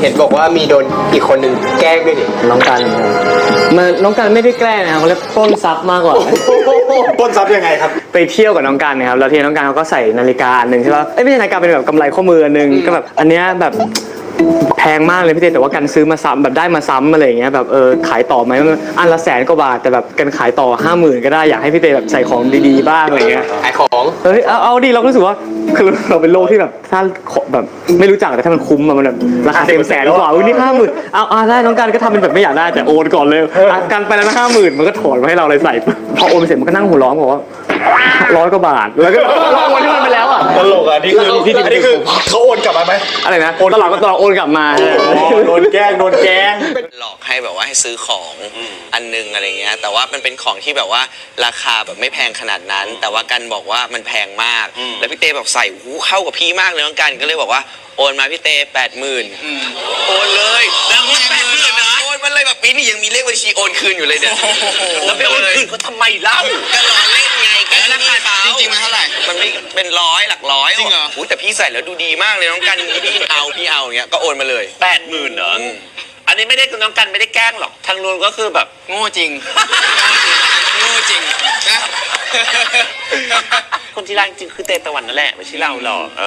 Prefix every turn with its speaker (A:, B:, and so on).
A: ห็นบอกว่ามีโดนอีกคนหนึ่งแกล้งด้วยนี่
B: น้องกันน้องกันไม่ได้แกล้งนะครับเขาเรียกปล้นทรัพย์มากกว่า
C: ปล้นทรัพย์ยังไงครับ
B: ไปเที่ยวกับน้องกันนะครับแล้วทีน้องกันเขาก็ใส่นาฬิกาอันหนึ่งใช่ป่ะไม่ใช่นาฬิกาเป็นแบบกำไรข้อมืออันหนึ่งก็แบบอันเนี้ยแบบแพงมากเลยพี่เต้แต่ว่ากันซื้อมาซ้ำแบบได้มาซ้ำอะไรอย่างเงี้ยแบบขายต่อไหมอันละ100,000 กว่าบาทแต่แบบกันขายต่อ 50,000ก็ได้อยากให้พี่เต้แบบใส่ของดีๆบ้างอะไรเงี้ย
A: ขายของ
B: เอาดิเราก็รู้สึกว่าคือเราเป็นโลกที่แบบถ้าแบบไม่รู้จักแต่ถ้ามันคุ้มมันแบบราคาเต็ม100,000กว่านี่ 50,000เอาได้น้องกันก็ทำเป็นแบบไม่อยากได้แต่โอนก่อนเลยกันไปแล้วนะ50,000มันก็ถอนมาให้เราเลยใส่พอโอนไปเสร็จมันก็นั่งหัวร้องบอกว่า100 กว่าบาทแล้วก็โอนที่มันไปแล้วอ่ะ
C: ตลกอันนี้คือเขาโอนกลับมาไหม
B: อะไรนะตลอดโอนกลับมา
C: โดนแกล้ง
D: หลอกให้แบบว่าให้ซื้อของอันนึงอะไรเงี้ยแต่ว่ามันเป็นของที่แบบว่าราคาแบบไม่แพงขนาดนั้นแต่ว่ากันบอกว่ามันแพงมากแล้วพี่เต้แบบใส่หูเข้ากับพี่มากเลยน้องกันก็เลยบอกว่าโอนมาพี่เต้80,000โอนเลยแล้วโอน80,000นะโอนมันเลยแบบปีนี้ยังมีเลขบัญชีโอนคืนอยู่เลยเนี่ยแล้วไปโอนคืนเขาทำไมเล่าก็รอเล่นไงกันราคาจริงๆมันเท่าไหร่มันไม่เป็น100หลักร้อยจริงเหรอแต่พี่ใส่แล้วดูดีมากเลยน้องกันพี่เอาอย่างเงี้ยก็โอนมาเลย
E: 80,000เหรออันนี้ไม่ได้น้องกันไม่ได้แกล้งหรอกทางนู้นก็คือแบบ
D: โง่จริงนะ
E: คนที่รักจริงคือเตตะวันนั่นแหละไม่ใช่เราหรอก